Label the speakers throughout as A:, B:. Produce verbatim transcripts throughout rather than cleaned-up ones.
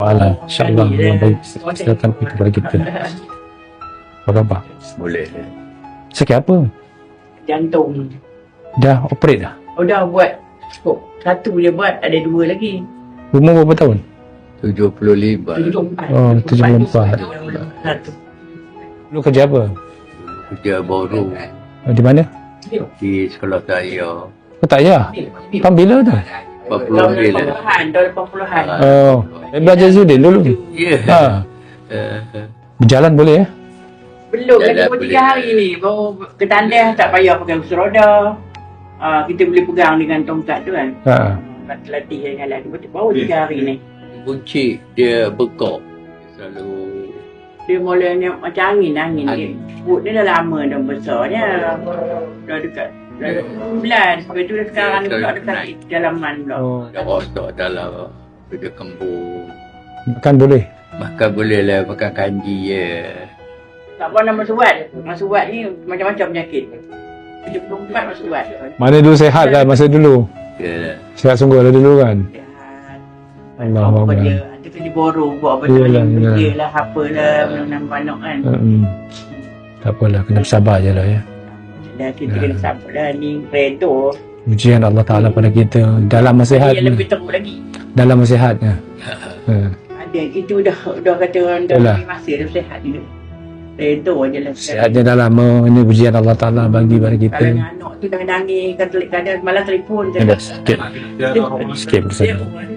A: Alah, insyaAllah Allah bagi kesihatan kepada kita. Apa khabar?
B: Boleh.
A: Sakit apa?
C: Jantung.
A: Dah operate dah?
C: Oh dah buat. Oh, satu dia buat, ada dua lagi.
A: Umur berapa tahun?
B: tujuh puluh lima.
C: tujuh puluh empat.
A: Oh, tujuh puluh empat.
C: Satu.
A: Lu kerja apa?
B: Kerja baru
A: Oh, di mana?
B: di sekolah saya.
A: Oh, tak payah. Tahun bila tu?
B: empat puluh
C: Tahun
B: bila.
C: lapan puluhan, tahun lapan puluhan.
A: Oh, saya belajar Zudin dulu.
B: Ya.
A: Ha.
B: Eh,
A: Berjalan boleh ya?
C: Belum,
B: Dah,
C: lagi
B: dah
C: baru
B: boleh.
C: tiga hari ni. Baru ke tandas, tak payah pakai kursi roda. Ah, kita boleh pegang dengan tongkat tu kan.
A: Ha.
C: Latih jalan. Baru tiga hari ni.
B: Buncit dia bekok. Selalu
C: Dia mulanya macam angin, angin. Dia.
B: Angin.
C: Perut dia dah lama dah besarnya. Dah dekat. Dah bulan. Lepas tu dah sekarang ni pula ada sakit dalaman pula.
A: Oh,
B: dah rosak dalam kerja kembung.
A: makan boleh?
B: Makan boleh lah, makan kanji je.
C: Tak pernah masuk buat. Masuk buat ni macam-macam penyakit. tujuh puluh empat masuk buat.
A: Mana dulu sehat kan masa dulu?
B: Ya.
A: Sehat sungguh lah dulu kan?
C: Allah
A: Allah
C: apa
A: Allah.
C: dia, ada kerja borong buat apa
A: Yalah,
C: dia,
A: yalah.
C: kerja lah, apa lah, menanam panak kan.
A: Hmm. Tak apalah, kena bersabar je lah ya.
C: Dah kita
A: Ya.
C: kena sabar dah ni, redha.
A: Ujian Allah Ta'ala pada kita dalam masa sihat.
C: Yang lebih teruk lagi.
A: Dalam masa sihatnya. Ha.
C: Ada, kita dah, dah kata orang dah
A: Yalah.
C: ambil masa, dah sihat juga. Redha je lah.
A: Sihatnya dah lama, ini ujian Allah Ta'ala bagi pada kita.
C: Kalau yang anak tu dah nangis, kadang-kadang malah telefon.
A: Ada sikit. Sikit bersama.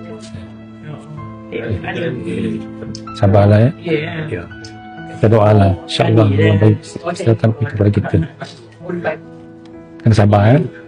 A: Sabarlah ya.
C: Ya.
A: Kita doalah. InsyaAllah Allah bagi kesihatan kepada kita. Kena sabar ya.